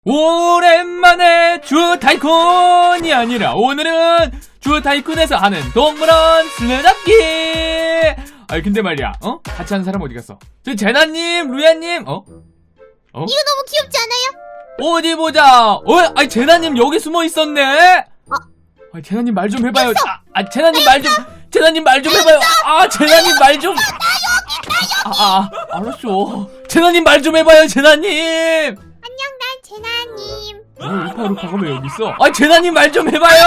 오랜만에 주타이쿤이 아니라 오늘은 주타이쿤에서 하는 동물원 술래잡기. 아니 근데 말이야, 같이 하는 사람 어디 갔어? 저 제나님, 루야님, 이거 너무 귀엽지 않아요? 어디 보자. 아니 제나님 여기 숨어 있었네. 아니 제나님 말 좀 해봐요. 제나님 말 좀 해봐요. 제나님 말 좀. 알았어. 제나님 말 좀 해봐요, 제나님. 안녕, 난 제나님. 루파가 왜 여기 있어? 제나님 말 좀 해봐요.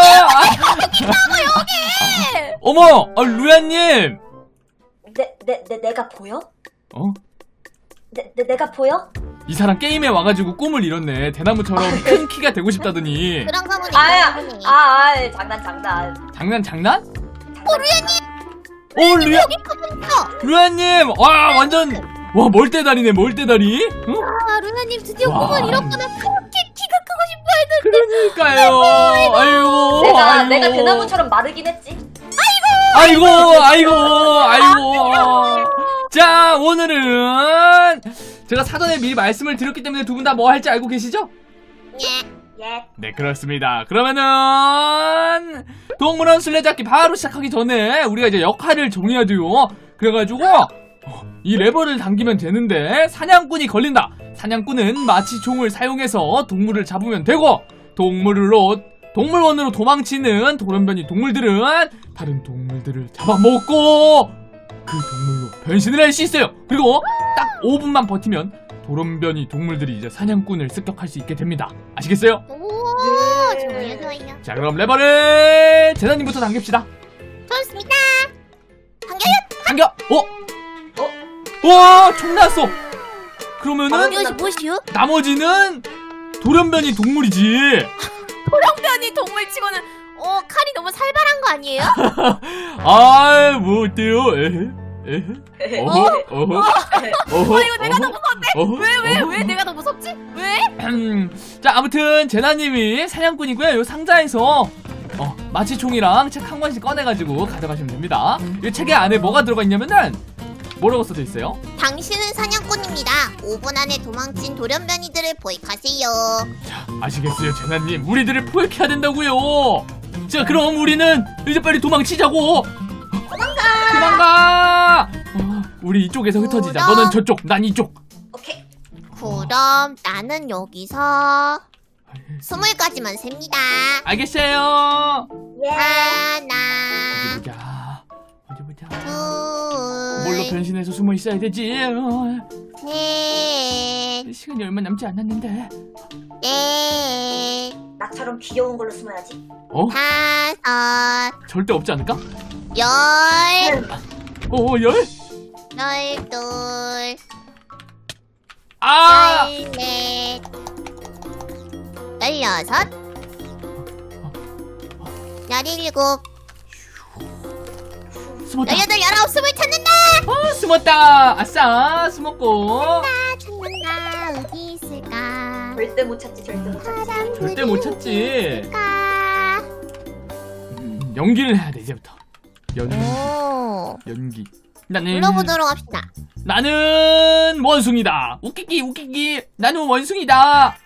여기! 어머, 루야님. 내가 보여? 어? 내가 보여? 이 사람 게임에 와가지고 꿈을 이뤘네. 대나무처럼 큰 키가 되고 싶다더니. 그런 거문이 장난. 장난? 루야님! 루야, 여기 커졌어! 루야님, 멀대다리네, 멀대다리. 응? 루야님 드디어 와. 꿈을 이뤘구나. 그렇게 키가 크고 싶어 했는데. 그러니까요. 아이고. 내가 대나무처럼 마르긴 했지. 아이고. 자, 오늘은 제가 사전에 미리 말씀을 드렸기 때문에 두 분 다 뭐 할지 알고 계시죠? 예. 네, 그렇습니다. 그러면은 동물원 술래잡기 바로 시작하기 전에 우리가 이제 역할을 정해야 돼요. 그래가지고 이 레버를 당기면 되는데 사냥꾼이 걸린다. 사냥꾼은 마치 총을 사용해서 동물을 잡으면 되고, 동물원으로 도망치는 돌연변이 동물들은 다른 동물들을 잡아먹고 그 동물로 변신을 할 수 있어요. 그리고 딱 5분만 버티면 돌연변이 동물들이 이제 사냥꾼을 습격할 수 있게 됩니다. 아시겠어요? 오, 좋아요. 자, 그럼 레버를 제나님부터 당깁시다. 좋습니다. 당겨! 와, 총 나왔어. 그러면은 이것이 무엇이요? 나머지는 돌연변이 동물이지. 돌연변이 동물 치고는 칼이 너무 살벌한 거 아니에요? 뭐 어때요? 이거 내가 더 무서운데? 왜 내가 더 무섭지? 왜? 자, 아무튼 제나님이 사냥꾼이고요. 요 상자에서 마취총이랑 책 한 권씩 꺼내가지고 가져가시면 됩니다. 이 책의 안에 뭐가 들어가 있냐면은 뭐라고 써져 있어요? 당신은 사냥꾼입니다. 5분 안에 도망친 돌연변이들을 포획하세요. 자, 아시겠어요, 제나님? 우리들을 포획해야 된다고요. 자, 그럼 우리는 이제 빨리 도망치자고. 도망가. 우리 이쪽에서 흩어지자. 너는 저쪽, 난 이쪽. 오케이. 그럼 나는 여기서 20까지만 셉니다. 알겠어요. 예. 하나, 어디 보자. 둘, 뭘로 변신해서 숨어 있어야 되지? 셋, 시간이 얼마 남지 않았는데. 넷, 나처럼 귀여운 걸로 숨어야지. 다섯, 절대 없지 않을까? 열, 열? 열둘, 아! 열넷, 열여섯, 열일곱, 숨었다. 열여덟, 열아홉, 스물 찾는다! 숨었다. 아싸, 숨었고. 찾는다. 어디 있을까? 절대 못 찾지. 절대 못 찾지. 있을까? 연기를 해야 돼, 이제부터. 오, 연기. 불러보도록 합시다. 나는 원숭이다. 웃기기. 나는 원숭이다. 와,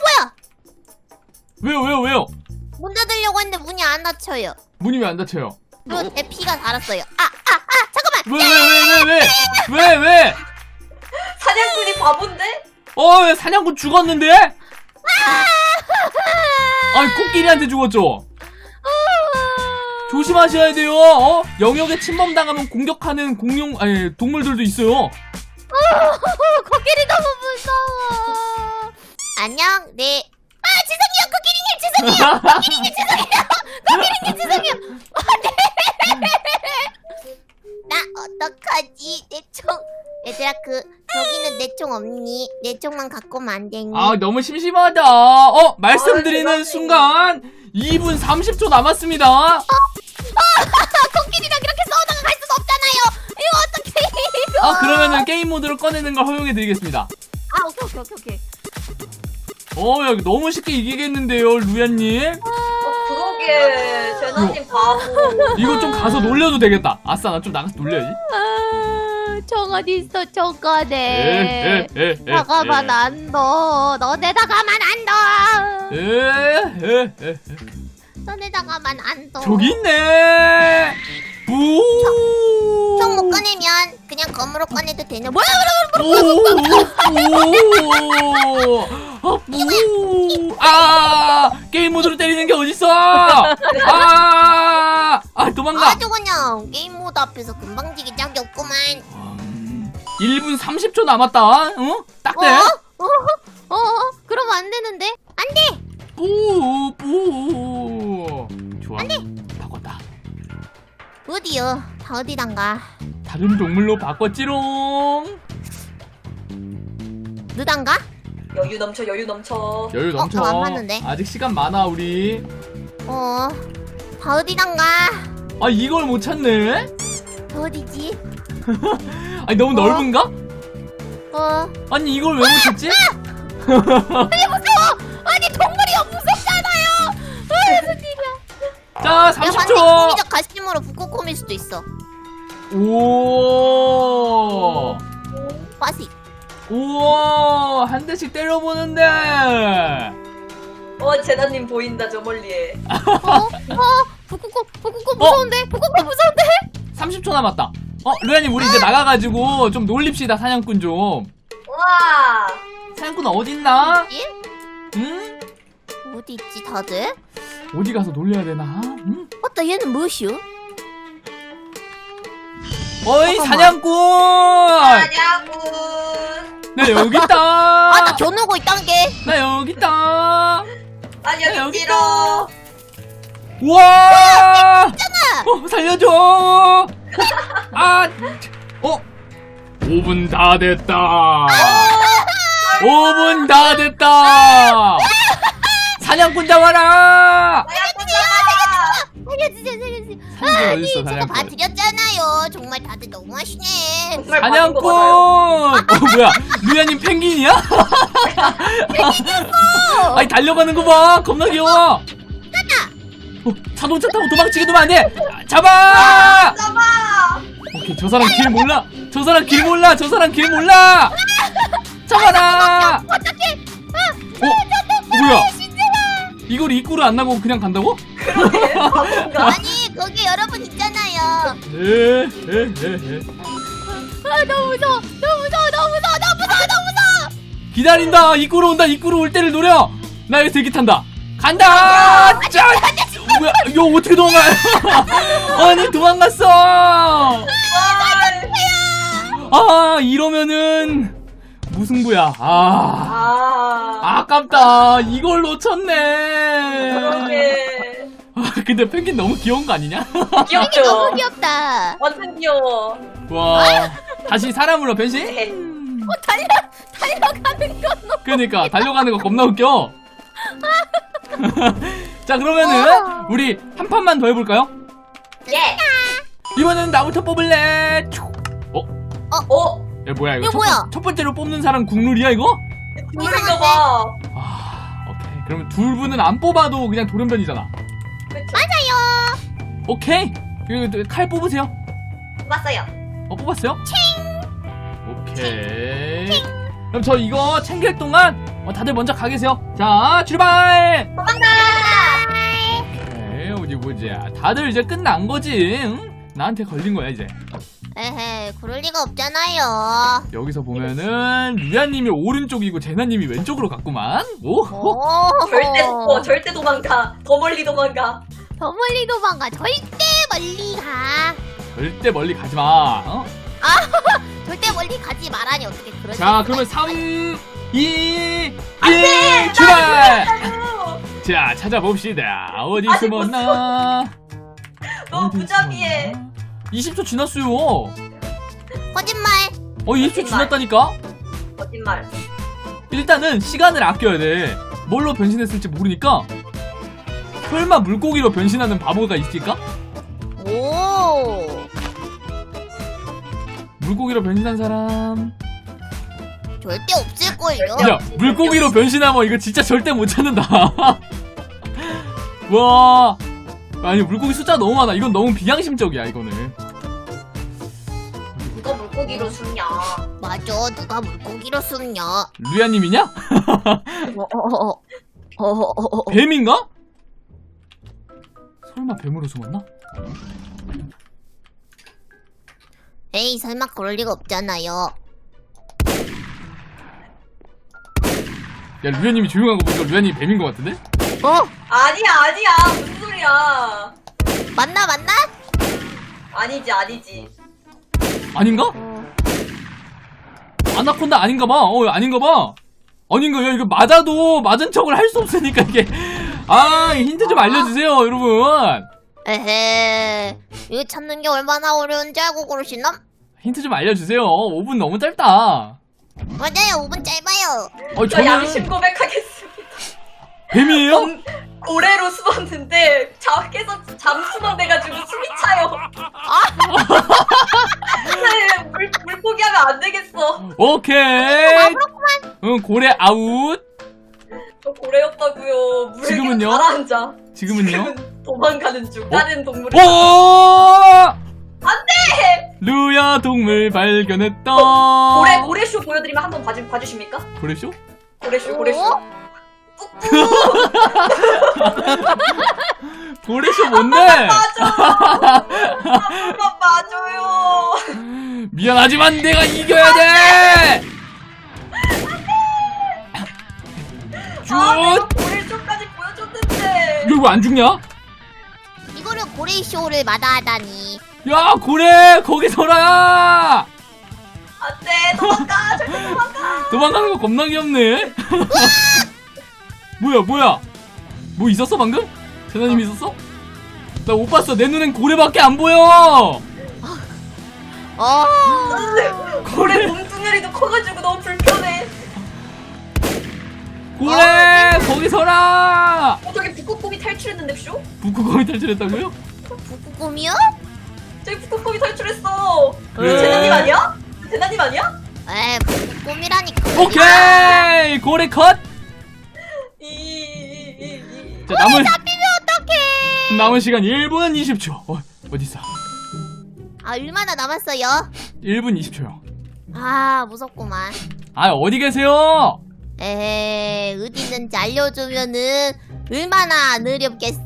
뭐야? 왜요? 문 닫으려고 했는데 문이 안 닫혀요. 문이 왜 안 닫혀요? 그리고 제 피가 달았어요. 잠깐만! 왜? 사냥꾼이 바본데? 왜 사냥꾼 죽었는데? 코끼리한테 죽었죠? 조심하셔야 돼요. 영역에 침범당하면 공격하는 동물들도 있어요. 코끼리 너무 무서워. 안녕, 네. 죄송해요, 코끼리님, 죄송해요. 나 어떡하지? 내 총. 얘들아, 저기는 내 총 없니? 내 총만 갖고 오면 안 되니? 너무 심심하다. 말씀드리는 대박이네. 순간 2분 30초 남았습니다. 코끼리랑 이렇게 싸우다가 갈 수는 없잖아요. 이거 어떡해, 이거. 그러면은 게임 모드를 꺼내는 걸 허용해드리겠습니다. 오케이. 야, 이거 너무 쉽게 이기겠는데요, 루야님? 그러게. 제나님 바보. 이거 좀 가서 놀려도 되겠다. 아싸, 나 좀 나가서 놀려야지. 정 총 어딨어 총가네. 다가만 안 둬. 너네다가만 안 둬. 너네다가만 안 둬. 저기 있네. 부. 총 못 꺼내면 그냥 검으로 꺼내도 되는. 뭐야? 게임 모드로 때리는 게 어딨어? 도망가. 아주 그냥 게임 모드 앞에서 금방 지기 짝이 없구만. 1분 30초 남았다. 응? 딱 돼. 그러면 안 되는데? 안 돼. 뿌. 좋아. 바꿨다. 어디요? 다 어디단가? 다른 동물로 바꿨지롱. 누단가? 여유 넘쳐 여유 넘쳐. 여유 넘쳐. 안 맞는데? 아직 시간 많아 우리. 다 어디단가? 이걸 못 찾네. 다 어디지? 아니 너무 넓은가? 아니 이걸 왜 못 찾지? 아니 동물이 무섭잖아요. 무슨 일이야? 자 30초. 공기적 가심으로 북극곰일 수도 있어. 오. 빠시. 우와 한 대씩 때려보는데. 제나님 보인다 저 멀리에. 북극곰 무서운데? 북극곰 무서운데? 30초 남았다. 루야님 우리 이제 나가가지고 좀 놀립시다. 사냥꾼 좀. 와. 사냥꾼 어딨나? 어디? 응? 어디 있지 다들? 어디 가서 놀려야 되나? 응? 맞다 얘는 무엇이요? 어이 잠깐만. 사냥꾼! 사냥꾼. 나 여기 있다. 나 겨누고 있단 게. 나 여기 있다. 여기 있지로. 우와! 살려줘! 5분 다 됐다. 5분 다 됐다. 사냥꾼 잡아라. 살려주세요. 사냥꾼 어딨어 제가 사냥꾼? 봐드렸잖아요. 정말 다들 너무하시네. 정말 사냥꾼! 받은 거 맞아요. 뭐야? 루야님 펭귄이야? 펭귄이었어! 아니 달려가는 거 봐! 겁나 귀여워! 자동차 타고 도망치게 두면 안 돼! 잡아! 잡아. 오케이, 저 사람 길 몰라! 저 사람 길 몰라! 저 사람 길 몰라! 잡아라! 어떡해? 뭐야? 이걸 입구를 안 나고 그냥 간다고? 그러게. 바본가. 아니 거기 여러분 있잖아요. 너무 무서워. 기다린다! 입구로 온다! 입구로 올 때를 노려! 나 여기서 대기 탄다! 간다! 짜! 뭐야? 이거 어떻게 도망가? 아니 도망갔어! 이러면은 무승부야. 아깝다. 이걸 놓쳤네. 그러게. 근데 펭귄 너무 귀여운 거 아니냐? 귀엽죠? 너무 귀엽다. 완전 귀여워. 와. 다시 사람으로 변신? 네. 달려가는 건 너무. 그러니까 달려가는 거 겁나 웃겨. 자 그러면은 우리 한 판만 더 해볼까요? 예. 이번에는 나부터 뽑을래. 야 뭐야 이거? 이거 뭐야? 첫 번째로 뽑는 사람 국룰이야 이거? 그런가 봐. 오케이. 그러면 둘 분은 안 뽑아도 그냥 돌연변이잖아. 그쵸? 오케이. 그리고 칼 뽑으세요. 봤어요. 뽑았어요? 오케이. 그럼 저 이거 챙길 동안 다들 먼저 가 계세요. 자 출발. 도망가. 오케이 어디 보자. 다들 이제 끝난 거지? 응? 나한테 걸린 거야 이제. 에헤, 그럴 리가 없잖아요. 여기서 보면은 루야님이 오른쪽이고 제나님이 왼쪽으로 갔구만. 오. 절대 도망가. 더 멀리 도망가. 더 멀리 도망가. 절대 멀리 가. 절대 멀리 가지 마. 절대 멀리 가지 말라니 어떻게 그러지? 자 그러면 3, 2, 1 출발. 자 찾아봅시다. 어디 아직 숨었나? 너무 무자비해. 20초 지났어요. 거짓말. 20초 지났다니까? 거짓말. 일단은 시간을 아껴야 돼. 뭘로 변신했을지 모르니까. 설마 물고기로 변신하는 바보가 있을까? 오. 물고기로 변신한 사람. 절대 없을걸요. 야, 물고기로 변신하면 이거 진짜 절대 못 찾는다. 와. 아니, 물고기 숫자 너무 많아. 이건 너무 비양심적이야, 이거는. 누가 물고기 물고기로 숨냐? 맞아, 누가 물고기로 숨냐? 루야님이냐? 어어어어어어어. 뱀인가? 설마 뱀으로 숨었나? 에이, 설마 그럴 리가 없잖아요. 야, 루야님이 조용한 거 보니까 루야님이 뱀인 것 같은데? 아니야. 무슨 소리야? 맞나? 아니지. 아닌가? 아나콘다 아닌가 봐. 아닌가 봐. 아닌가? 야, 이거 맞아도 맞은 척을 할 수 없으니까 이게. 힌트 좀 알려주세요, 여러분. 에헤, 이거 찾는 게 얼마나 어려운지 알고 그러시나? 힌트 좀 알려주세요. 5분 너무 짧다. 맞아요, 5분 짧아요. 저 양심 고백하겠습니다. 뱀이에요? 고래로 숨었는데 밖에서 잠수만 돼가지고 숨이 차요. 네, 물고기 하면 안 되겠어. 오케이. 응, 고래 아웃. 저 고래였다고요. 물에 지금은요? 가라앉아. 지금은요? 지금은 도망가는 중. 다른 동물을. 오! 안돼. 루야 동물 발견했다. 고래쇼 보여드리면 한번 봐주십니까? 고래쇼? 고래쇼. 고래쇼 뭔데? 한번 봐줘요. 미안하지만 내가 이겨야 돼. 내가 쭉. 고래쇼까지 보여줬는데. 이거 왜 안 죽냐? 이거를 고래쇼를 마다하다니. 야, 고래 거기 서라. 안돼, 도망가. 절대 도망가. 도망가는 거 겁나 귀엽네. 뭐야? 뭐 있었어 방금? 재나님 있었어? 나 못 봤어. 내 눈엔 고래밖에 안 보여. 고래 몸뚱아리도 커가지고 너무 불편해. 고래 거기 서라. 저기 북극곰이 탈출했는데 쇼? 북극곰이 탈출했다고요? 북극곰이요? 저기 북극곰이 탈출했어. 그래. 재나님 아니야? 재나님 아니야? 에이, 북극곰이라니까. 오케이 고래 컷. 자, 잡히면 어떡해. 남은 시간 1분 20초. 어딨어? 얼마나 남았어요? 1분 20초요. 무섭구만. 어디 계세요? 에헤, 어디 있는지 알려주면은 얼마나 느렵겠어.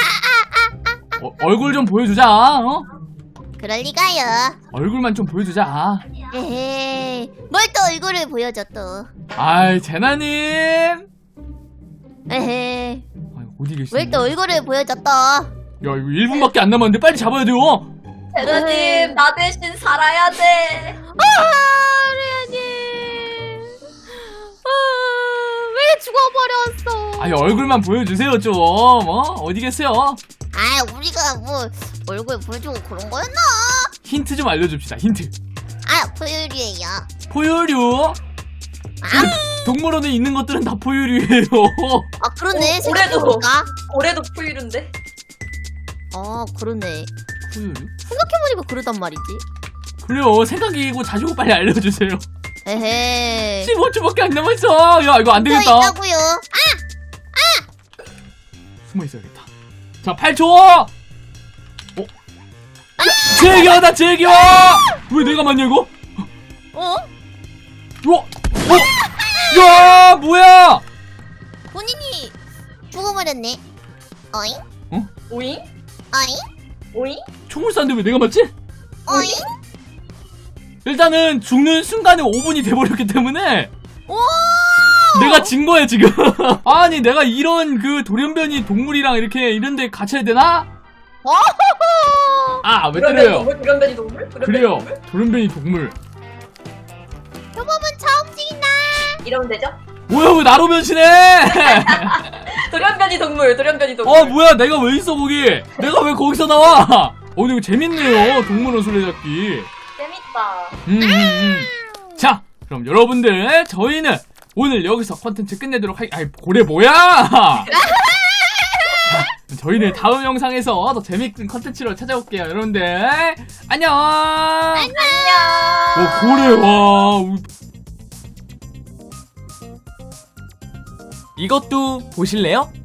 얼굴 좀 보여주자. 그럴 리가요. 얼굴만 좀 보여주자. 에헤, 뭘 또 얼굴을 보여줘 또. 재나님. 에헤, 어디 계시지? 뭘 또 얼굴을 보여줘 또. 야, 이거 1분밖에 안 남았는데 빨리 잡아야 돼요. 재나님 나 대신 살아야 돼. 레아님. 왜 죽어버렸어? 얼굴만 보여주세요 좀. 어디 계세요? 우리가 뭐 얼굴 보여주고 그런 거였나? 힌트 좀 알려줍시다. 힌트. 포유류예요. 포유류. 동물원에 있는 것들은 다 포유류예요. 그러네. 고래도. 생각해보니까. 고래도 포유류인데. 그러네. 포유류? 생각해보니까 그러단 말이지. 그래요. 생각이고 자시고 빨리 알려주세요. 에헤. 15초밖에 안 남았어. 야, 이거 안 되겠다. 있다고요. 숨어 있어야겠다. 자, 8초. 제기어다, 제기어. 왜 내가 맞냐 이거? 야, 뭐야? 본인이 죽어버렸네. 어잉? 오잉? 어잉? 오잉? 총을 쐈는데 왜 내가 맞지? 어잉? 일단은 죽는 순간에 5분이 돼버렸기 때문에 오! 내가 진 거야 지금. 아니 내가 이런 그 돌연변이 동물이랑 이렇게 이런데 갇혀야 되나? 왜 때려요? 돌연변이 동물? 그래요. 돌연변이 동물. 표범은 처음 움직인다. 이러면 되죠? 뭐야 왜 나로 변신해? 돌연변이 동물. 뭐야 내가 왜 있어 거기? 내가 왜 거기서 나와? 이거 재밌네요. 동물원 술래잡기. 재밌다. 자 그럼 여러분들 저희는 오늘 여기서 컨텐츠 끝내도록 고래 뭐야? 저희는 다음 영상에서 더 재밌는 컨텐츠로 찾아올게요. 여러분들 안녕. 안녕. 고래 와. 이것도 보실래요?